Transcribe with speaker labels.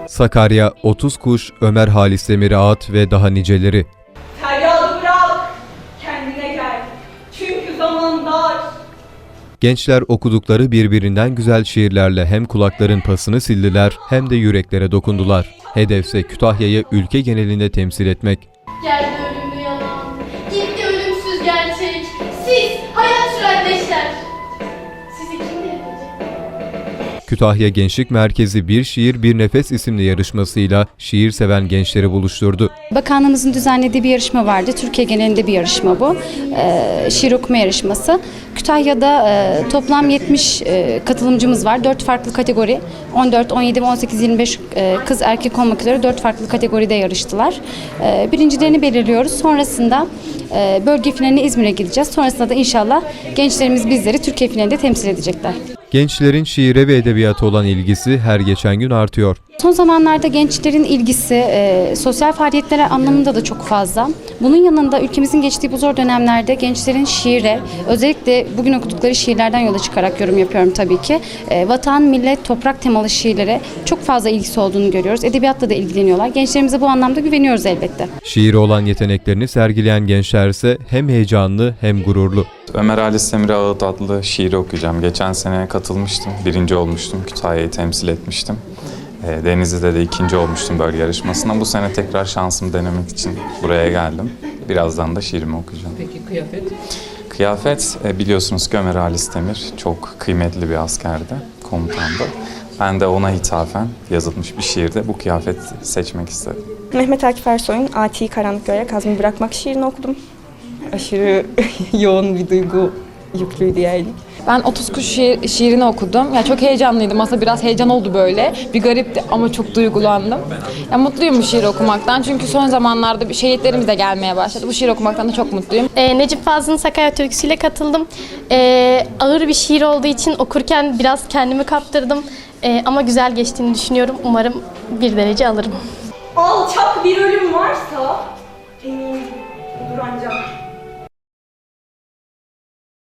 Speaker 1: Sakarya, 30 Kuş, Ömer Halis Demir Ağıt ve daha niceleri.
Speaker 2: Feryadı bırak, kendine gel. Çünkü zaman dar.
Speaker 1: Gençler okudukları birbirinden güzel şiirlerle hem kulakların pasını sildiler hem de yüreklere dokundular. Hedefse Kütahya'yı ülke genelinde temsil etmek.
Speaker 3: Geldi ölümlü yalan, gitti ölümsüz gerçek. Siz hayat süren leşler. Sizi kim devirecek?
Speaker 1: Kütahya Gençlik Merkezi Bir Şiir Bir Nefes isimli yarışmasıyla şiir seven gençleri buluşturdu.
Speaker 4: Bakanlığımızın düzenlediği bir yarışma vardı. Türkiye genelinde bir yarışma bu. Şiir okuma yarışması. Kütahya'da toplam 70 katılımcımız var. 4 farklı kategori. 14, 17, 18, 25 kız erkek olmak üzere 4 farklı kategoride yarıştılar. Birincilerini belirliyoruz. Sonrasında bölge finaline İzmir'e gideceğiz. Sonrasında da inşallah gençlerimiz bizleri Türkiye finalinde temsil edecekler.
Speaker 1: Gençlerin şiire ve edebiyata olan ilgisi her geçen gün artıyor.
Speaker 4: Son zamanlarda gençlerin ilgisi sosyal faaliyetlere anlamında da çok fazla. Bunun yanında ülkemizin geçtiği bu zor dönemlerde gençlerin şiire, özellikle bugün okudukları şiirlerden yola çıkarak yorum yapıyorum tabii ki. Vatan, millet, toprak temalı şiirlere çok fazla ilgisi olduğunu görüyoruz. Edebiyatla da ilgileniyorlar. Gençlerimize bu anlamda güveniyoruz elbette.
Speaker 1: Şiire olan yeteneklerini sergileyen gençler ise hem heyecanlı hem gururlu.
Speaker 5: Ömer Halis Demir Ağıt adlı şiiri okuyacağım. Geçen sene katılmıştım, birinci olmuştum, Kütahya'yı temsil etmiştim. Denizli'de de ikinci olmuştum bölge yarışmasında. Bu sene tekrar şansımı denemek için buraya geldim. Birazdan da şiirimi okuyacağım.
Speaker 6: Peki kıyafet?
Speaker 5: Kıyafet, biliyorsunuz ki Ömer Halis Demir çok kıymetli bir askerdi, komutandı. Ben de ona hitafen yazılmış bir şiirde bu kıyafet seçmek istedim.
Speaker 7: Mehmet Akif Ersoy'un Ati'yi karanlık göre kazmayı bırakmak şiirini okudum. Aşırı yoğun bir duygu yüklüydü yani.
Speaker 8: Ben 30 Kuş şiirini okudum. Yani çok heyecanlıydım. Aslında biraz heyecan oldu böyle. Bir garipti ama çok duygulandım. Yani mutluyum bu şiiri okumaktan. Çünkü son zamanlarda bir şehitlerimiz de gelmeye başladı. Bu şiir okumaktan da çok mutluyum.
Speaker 3: Necip Fazıl'ın Sakarya Türküsü'yle katıldım. Ağır bir şiir olduğu için okurken biraz kendimi kaptırdım. Ama güzel geçtiğini düşünüyorum. Umarım bir derece alırım.
Speaker 2: Alçak bir ölüm varsa eminim budur ancak